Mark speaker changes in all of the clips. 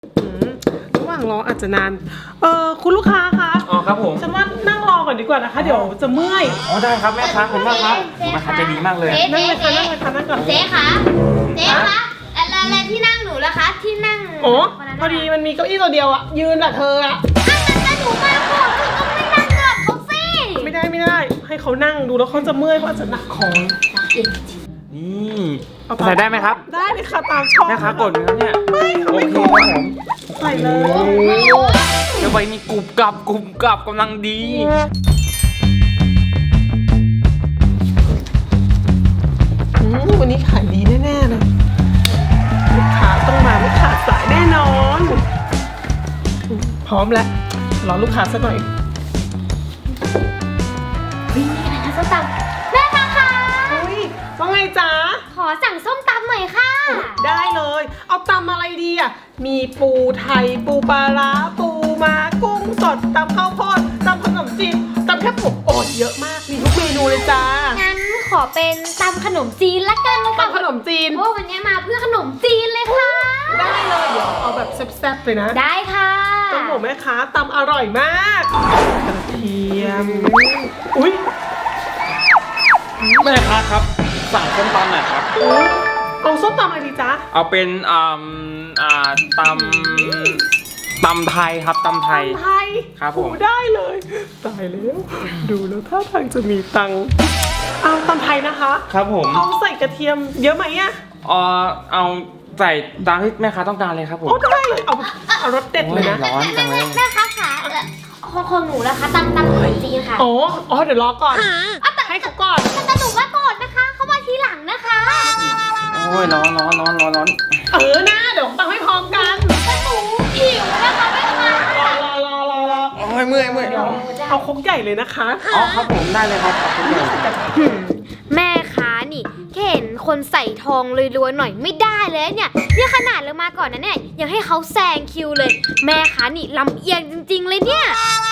Speaker 1: ระหว่างรออาจจะนานคุณลูกค้าคะ
Speaker 2: อ๋อครับผม
Speaker 1: ฉันว่านั่งรอก่อนดีกว่านะคะ เดี๋ยวจะเมื่อย
Speaker 2: อ๋อได้ครับแม่ค้าขอบคุณมากครับแม่ค้าใจดีมากเลย
Speaker 1: นั่งเลยค่ะนั่งเลยค่ะนั่งก่อน
Speaker 3: เจ๊คะอะไรที่นั่งหนูล่ะคะที่นั่ง
Speaker 1: โอ้พอดีมันมีเก้าอี้ตัวเดียวอะยืนอะเธออะ
Speaker 3: แต่หนูมาก่อนคือต้องไม่นั่งก่อนเขาสิ
Speaker 1: ไม่ได้ให้เขานั่งดูแล้วเขาจะเมื่อยเพราะอาจจะหนักของ
Speaker 2: นี่ใส่ได้ไหมครับ
Speaker 1: ได้เลยค่ะตามชอบ
Speaker 2: แม่ค้ากดนะครับเนี่ย
Speaker 1: ไม่
Speaker 2: โอเคครับผม
Speaker 1: ใส่เลย
Speaker 2: เดี๋ยวใบนี้กรุบกรับกำลังดี
Speaker 1: วันนี้ขายดีแน่ๆเลยลูกค้าต้องมาไม่ขาดสายแน่นอนพร้อมแล้วรอลูกค้าสักหน่อย
Speaker 3: วิ่งไปไหนนะส้มตำแม่คะ
Speaker 1: ว่าไงจ๊ะ
Speaker 3: ขอสั่งส้มตำหน่อยค่ะ
Speaker 1: ได้เลยเอาตำอะไรดีอ่ะมีปูไทยปูปลาร้าปูม้ากุ้งสดตำข้าวโพดตำขนมจีนตำแคบหมูโอ้เยอะมากมีทุกเมนูเลยจ้า
Speaker 3: งั้นขอเป็นตำขนมจีนละกันค่ะ
Speaker 1: ตำขนมจีน
Speaker 3: เพราะวันนี้มาเพื่อขนมจีนเลยค่ะ
Speaker 1: ได้เลยเดี๋ยวเอาแบบแซ่บๆเลยนะ
Speaker 3: ได้ค่ะ
Speaker 1: ต้องบอกแม่ค้าตำอร่อยมากกระเทียมอุ้ย
Speaker 2: แม่ค้าครับสั่งส้มตำหน่อยครับ
Speaker 1: เอาส้มตำอะไรดีจ๊ะ
Speaker 2: เอาเป็นตำไทยครับตำไทยครับผม
Speaker 1: ได้เลยตายแล้วดูแล้วท่าทางจะมีตังเอาตำไทยนะคะ
Speaker 2: ครับผม
Speaker 1: เอาใส่กระเทียมเยอะไหมอะ
Speaker 2: เอาใส่ตามที่แม่ค้าต้องการเลยครับผม
Speaker 1: ได้เลยเอารสเด็ดเลยนะ
Speaker 2: ร้อนจังเลย
Speaker 3: แม่ค้าค่ะของหนูนะคะตำขนมจีนค่ะ
Speaker 1: อ๋อเดี๋ยวรอก่อนให้เขาก่อน
Speaker 3: แต่หนูมาก่อนนะคะเขามาทีหลังนะคะ
Speaker 2: โอ้ยร้อนนะ
Speaker 1: เดี๋ยวตังให้พร้อมกัน
Speaker 3: แต่หนูหิวนะคะแม่ค้าร
Speaker 1: อ
Speaker 2: โอ้ยเมื่อย
Speaker 1: เอาครกใหญ่เลยนะคะ
Speaker 2: อ๋อครับผมได้เลยครับ
Speaker 3: แม่ค้านี่เห็นคนใส่ทองรวยๆหน่อยไม่ได้เลยเนี่ยขนาดเรามาก่อนนะเนี่ยยังให้เขาแซงคิวเลยแม่ค้านี่ลำเอียงจริงๆเลยเนี่ย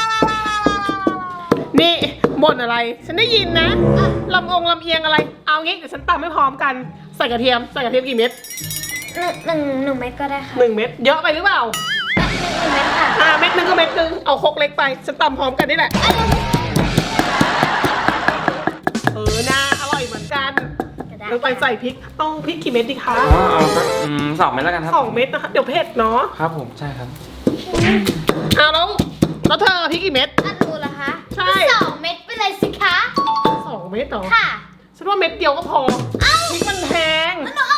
Speaker 1: นี่บ่นอะไรฉันได้ยินนะลำเอียงอะไรเอางี้เดี๋ยวฉันตำให้พร้อมกันใส่กระเทียมกี่เม็ด
Speaker 3: หนึ่งเม็ดก็ได้ค่ะ
Speaker 1: 1 เม็ดเยอะไปหรือเปล่า
Speaker 3: 1 เม็ดค่ะ
Speaker 1: เม็ดนึงก็เม็ดนึงเอาครกเล็กไปฉันตำพร้อมกันนี่แหละน่าอร่อยเหมือนกันลงไปใส่พริกต้องพริกกี่เม็ดดีคะ
Speaker 2: เอาสัก2 เม็ดแล้วกันครับ
Speaker 1: 2 เม็ดนะคะเดี๋ยวเผ็ดเนาะ
Speaker 2: ครับผมใช่ครับ
Speaker 1: แล้วเธอพริกกี่เม็ด
Speaker 3: ดูเหรอคะ
Speaker 1: ใช่
Speaker 3: 2 เม็ดไปเลยสิคะ
Speaker 1: 2 เม็ดเหรอ
Speaker 3: ค่ะ
Speaker 1: ฉันว่าเม็ดเดียวก็พอพริกมันแพง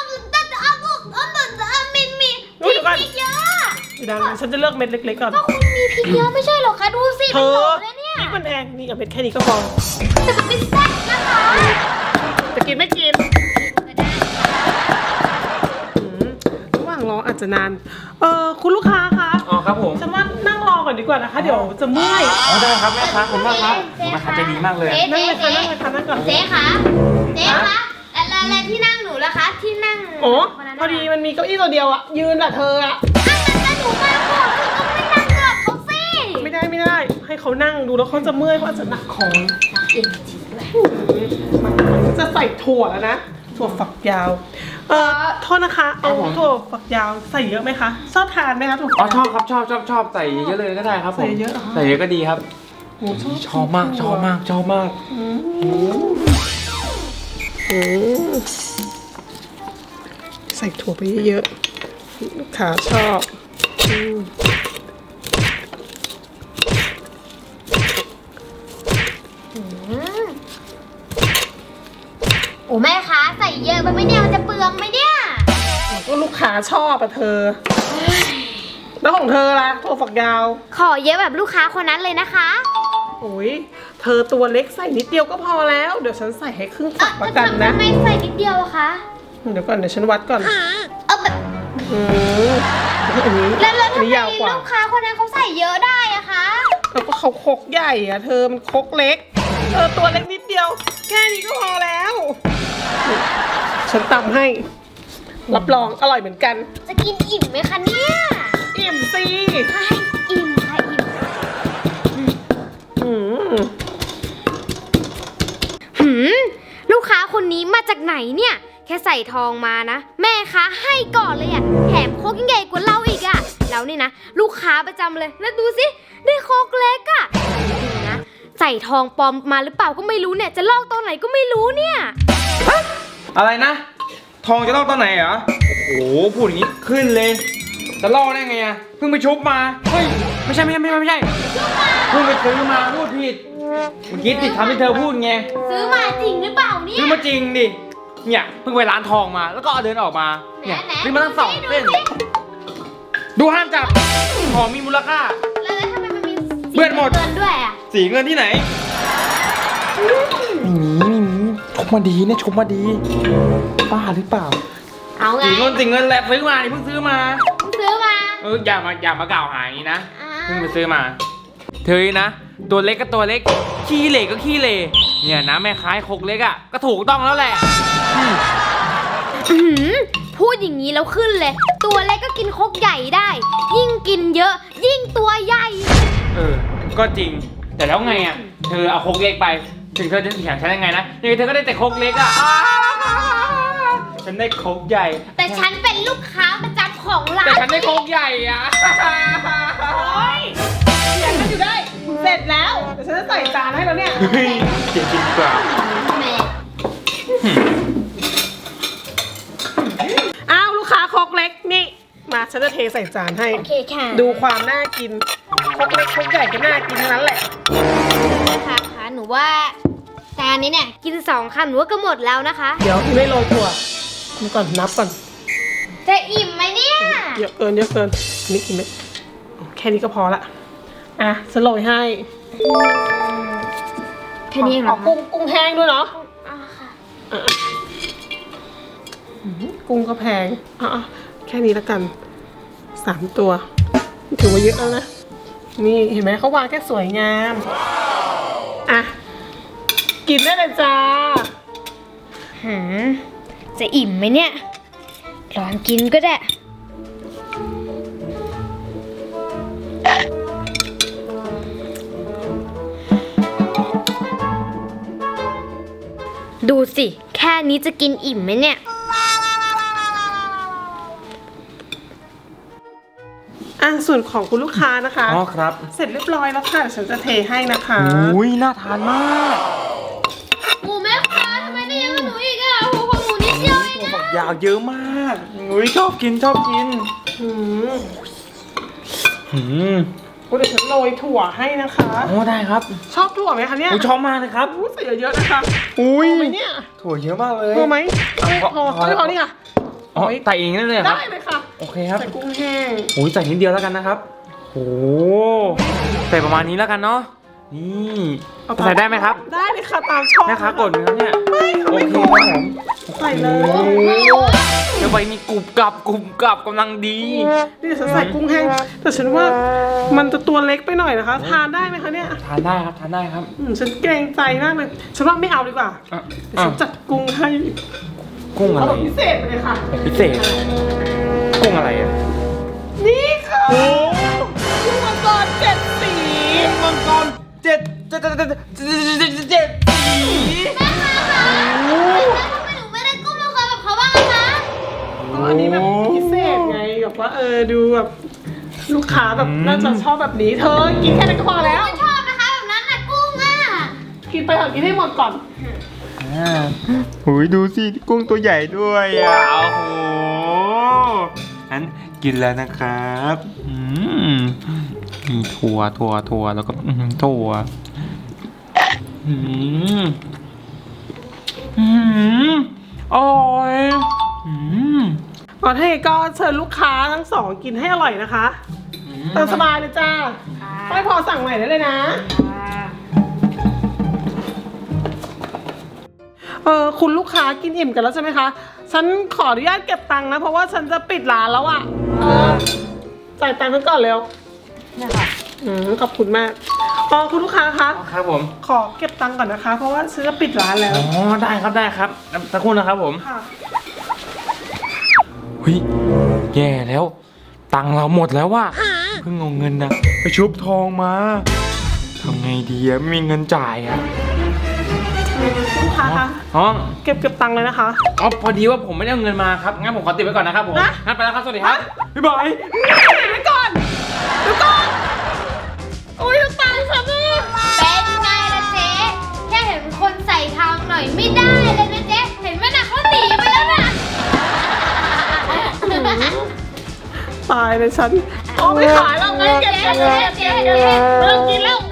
Speaker 3: มีพริกเยอะ
Speaker 1: ดังนั้นฉันจะเลือกเม็ดเล็กๆก่อน
Speaker 3: ก็คุณมีพริกเยอะไม่ใช่หรอคะดูสิ
Speaker 1: เธอพริกมันแพงนี่กับเม็ดแค่นี้ก็พอ
Speaker 3: แต่มันไม่แซ่บนะคะ
Speaker 1: จะกินไม่กินระหว่างรออาจจะนานคุณลูกค้าคะ
Speaker 2: อ๋อครับผม
Speaker 1: ฉันว่านั่งรอก่อนดีกว่านะคะเดี๋ยวจะเมื่อย
Speaker 2: อ๋อได้ครับแม่ค้าขอบคุณมากครับแม่ค้าใจดีมากเลย
Speaker 1: นั่งเลยค่ะนั่งก่อน
Speaker 3: เจ๊คะอะไรที่นั่งหนูล่ะคะที่นั่ง
Speaker 1: โอ้พอดีมันมีเก้าอี้ตัวเดียวอะยืนอะเธออะ
Speaker 3: แต่หนูมาก่อนคือต้องไม่นั่งก่อนเขาสิ
Speaker 1: ไม่ได้ให้เขานั่งดูแล้วเขาจะเมื่อยเพราะอาจจะหนักของ
Speaker 3: จริงด้วย
Speaker 1: จะใส่ถั่วแล้วนะถั่วฝักยาวโทษนะคะเอาถั่วฝักยาวใส่เยอะไหมคะชอบทานไหมคะถั่ว
Speaker 2: ชอบครับชอบใส่เยอะเลยก็ได้ครับผมใส่เยอะก็ดีครับชอบมาก
Speaker 1: ใส่ถั่วไปเยอะๆขาชอบ
Speaker 3: โอ้แม่คะใส่เยอะไปไหมเนี่ยมันจะเปลืองไหมเนี่ย
Speaker 1: ก็ลูกค้าชอบอะเธอแล้วของเธอล่ะถั่วฝักยาว
Speaker 3: ขอเยอะแบบลูกค้าคนนั้นเลยนะคะ
Speaker 1: โอ้ยเธอตัวเล็กใส่นิดเดียวก็พอแล้วเดี๋ยวฉันใส่ให้ครึ่งฝักละกันนะ
Speaker 3: ไม่ใส่นิดเดียวอะคะ
Speaker 1: เดี๋ยวก่อนเดี๋ยวฉันวัดก่อน
Speaker 3: แบบ
Speaker 1: อันนี้
Speaker 3: แล้วทำไมลูกค้าคนนั้นเขาใส่เยอะได้อะคะ
Speaker 1: แล้วก็เขาครกใหญ่อะเธอมันครกเล็กตัวเล็กนิดเดียวแค่นี้ก็พอแล้วฉันตำให้รับรองอร่อยเหมือนกัน
Speaker 3: จะกินอิ่มไหมคะเนี่ย
Speaker 1: อิ่มสิ
Speaker 3: อิ่มค่ะลูกค้าคนนี้มาจากไหนเนี่ยแค่ใส่ทองมานะแม่ค้าให้ก่อนเลยอะแถมโคกยิ่งใหญ่กว่าเราอีกอะแล้วนี่นะลูกค้าประจำเลยแล้วดูสิได้โคกเล็กอะนี่นะใส่ทองปลอมมาหรือเปล่าก็ไม่รู้เนี่ยจะลอกตอนไหนก็ไม่รู้เนี่ย
Speaker 2: อะไรนะ ทองจะลอกตอนไหนเหรอ โอ้โห พูดอย่างนี้ขึ้นเลย จะลอกได้ไงอะเพิ่งไปชุบมา เฮ้ย ไม่ใช่เพิ่งไปซื้อมาพูดผิด เมื่อกี้ติดคำที่เธอพูดไง
Speaker 3: ซื้อมาจริงหรือเปล่าเนี่ย
Speaker 2: ซื้อมาจริงดิ เนี่ยเพิ่งไปร้านทองมา แล้วก็เอาเดินออกมา เนี่ยซื้อมาตั้ง2 เส้น ดูห้ามจับ ของมีมูลค่า
Speaker 3: แล้วทำไมมันมี
Speaker 2: เปื้อนหมด
Speaker 3: เงินด้วยอะ
Speaker 2: สีเงินที่ไหนไม่มีชกมาดีเนี่ยชกมาดีบ้าหรือเปล่า
Speaker 3: เอาไง
Speaker 2: สีเงินแหละซื้อมาเพิ่งซื้อมา
Speaker 3: ซื้อมา
Speaker 2: อย่ามากล่าวหาอย่างนี้นะ
Speaker 3: อ่า
Speaker 2: เพิ่งไปซื้อมา เธอนะ ตัวเล็กก็ตัวเล็ก ขี้เหร่ก็ขี้เหร่เนี่ยนะแม่ค้าคกเล็กอ่ะก็ถูกต้องแล้วแหละ
Speaker 3: อื้อหือพูดอย่างนี้แล้วขึ้นเลย ตัวเล็กก็กินครกใหญ่ได้ ยิ่งกินเยอะ ยิ่งตัวใหญ่
Speaker 2: ก็จริง แต่แล้วไงอ่ะ เธอเอาคกเล็กไป ถึงเธอจะเถียงฉันยังไงนะยังไงเธอก็ได้แต่คกเล็กอ่ะฉันได้คกใหญ่
Speaker 3: แต่ฉันเป็นลูกค้าประจำของร้าน
Speaker 2: แต่ฉันได้คกใหญ่อ่ะ
Speaker 1: โอ๊ยเถียงกันอยู่ได้ เสร็จแล้วเดี๋ยวฉันจะใส่จานให้แล้วเนี่ย
Speaker 2: เฮ้ยเดี๋ยวกินดีกว่า
Speaker 3: แหม
Speaker 1: อ้าวลูกค้าครกเล็กนี่ มาฉันจะเทใส่จานให้
Speaker 3: โอเคค่ะ
Speaker 1: ดูความน่ากินครกเล็กครกใหญ่ก็น่ากินทั้งนั้นแหละ
Speaker 3: ค่ะค่ะหนูว่าจานนี้เนี่ยกิน2 คำหนูว่าก็หมดแล้วนะคะ
Speaker 1: เดี๋ยวไม่โรยถั่วดูก่อนนับก่อน
Speaker 3: จะอิ่มไหมเนี่ย
Speaker 1: เยอะเกินนี่กินไหมแค่นี้ก็พอละอ่ะฉันโรยให้
Speaker 3: แค่นี้เองเหร
Speaker 1: ข
Speaker 3: อ
Speaker 1: อ
Speaker 3: คะ
Speaker 1: กุ้งแห้งด้วยเนาะ
Speaker 3: อ่าค่ะ
Speaker 1: กุ้งก็แพงอ่ะแค่นี้แล้วกัน3 ตัวถือว่าเยอะแล้วนะนี่เห็นไหมเขาวางแค่สวยงามอ่ะกินได้เลยจ้า
Speaker 3: จะอิ่มไหมเนี่ยลองกินก็ได้ ดูสิ แค่นี้จะกินอิ่มไหมเนี่ย
Speaker 1: ส่วนของคุณลูกค้านะคะ
Speaker 2: อ๋อครับ
Speaker 1: เสร็จเรียบร้อยแล้วค่ะเดี๋ยวฉันจะเทให้นะคะ
Speaker 2: อุ้ยน่าทานมาก
Speaker 3: หมูแม่ค้าทำไมได้เยอะกว่าหนูอีกอ่ะหัวของหนูนิดเดียวเอง
Speaker 2: ตัว
Speaker 3: อะ
Speaker 2: ฝักยาวเยอะมากอุ้ยชอบกิน
Speaker 1: อืม
Speaker 2: อืม
Speaker 1: เดี๋ยวฉันโรยถั่วให้นะคะ
Speaker 2: โอ้ได้ครับ
Speaker 1: ชอบถั่วไหมคะเนี่ย
Speaker 2: อุ้ยชอบมากเลยครับ
Speaker 1: ใส่เยอะๆนะคะ
Speaker 2: อุ้ย
Speaker 1: พอไหมเนี่ย
Speaker 2: ถั่วเยอะมากเลย
Speaker 1: พอไหม
Speaker 2: พอ
Speaker 1: ไม่พอนี่ค่ะ
Speaker 2: อ๋อใส่เองนั่นเลยเหรอครับ
Speaker 1: ได้เลยค่ะ
Speaker 2: โอเคครับ
Speaker 1: ใส่กุ้งแห้ง
Speaker 2: อุ้ยใส่นิดเดียวแล้วกันนะครับโอ้ใส่ประมาณนี้แล้วกันเนาะนี่ใส่ได้ไหมครับ
Speaker 1: ได้เลยค่ะตามชอบ
Speaker 2: แม่ค้ากดไหมครับเนี่ย
Speaker 1: ไม่ค่ะ
Speaker 2: โอ
Speaker 1: ไม่
Speaker 2: เค
Speaker 1: ก
Speaker 2: ครับ
Speaker 1: ด
Speaker 2: ผม
Speaker 1: ใส่เลย
Speaker 2: โอ้เดี๋ยวใบนี้กรุบกรับกำลังดี
Speaker 1: นี่ฉันใส่กุ้งแห้งแต่ฉันว่ามันจะตัวเล็กไปหน่อยนะคะ ทานได้ไหมคะเนี่ย
Speaker 2: ทานได้ครับทานได้ครับ
Speaker 1: ฉันเกรงใจมากเลยฉันว่าไม่เอาดีกว่า
Speaker 2: อ่ะ
Speaker 1: เดี๋ยวฉันจัดกุ้งให้
Speaker 2: กุ้งอะ
Speaker 1: เอา
Speaker 2: ไร
Speaker 1: แบบพิเศษไปเลยค่ะ
Speaker 2: พิเศษกุ้งอะไรอ่ะ
Speaker 1: นี่ค่ะกุ้งมังกร7 สี
Speaker 2: มังกรเจ็ดสี
Speaker 3: แม่ค้าคะทำไมหนูไม่ได้กุ้งมังกรแบบเขาบ้างอะคะ
Speaker 1: อันนี้แบบพิเศษไงแบบว่าดูแบบลูกค้าแบบน่าจะชอบแบบนี้เธอกินแค่นั้นก็พอแล้ว
Speaker 3: ไม่ชอบนะคะแบบนั้นน่ะกุ้งอ่ะ
Speaker 1: กินไปเถอะกินให้หมดก่อน
Speaker 2: หูยดูสิกุ้งตัวใหญ่ด้วยอ่ะโอ้โหงั้นกินแล้วนะครับมีถั่วแล้วก็ถั่วอร่อย
Speaker 1: ก่อนให้ก็เชิญลูกค้าทั้งสองกินให้อร่อยนะคะตามสบายเลยจ้าไม่พอสั่งใหม่ได้เลยนะคุณลูกค้ากินอิ่มกันแล้วใช่ไหมคะฉันขออนุญาตเก็บตังค์นะเพราะว่าฉันจะปิดร้านแล้วอ่ะจ่ายตังค์กันก่อนเร็วนะคะขอบคุณมากคุณลูกค้าคะ
Speaker 2: ครับผม
Speaker 1: ขอเก็บตังค์ก่อนนะคะ เพราะว่าฉันจะปิดร้านแล้ว
Speaker 2: อ๋อได้ครับสักครู่นะครับผม
Speaker 1: ค่ะ
Speaker 2: เฮ้ยแย่แล้วตังค์เราหมดแล้วว่ะเพิ่งเอาเงินนะไปชุบทองมาทำไงดีอะไม่มีเงินจ่ายอะ
Speaker 1: ลูกค้าคะ
Speaker 2: อ๋อ
Speaker 1: เก็บตังค์เลยนะคะ
Speaker 2: อ๋อพอดีว่าผมไม่ได้เอาเงินมาครับงั้นผมขอติดไว้ก่อนนะครับผม
Speaker 1: นะ
Speaker 2: งั้นไปแล้วครับสวัสดีครับบ๊ายบาย
Speaker 1: เก็บไว้ก่อนตายเลยฉันเอาไปขายแล้วไงเก็บเลิกกินแล้ว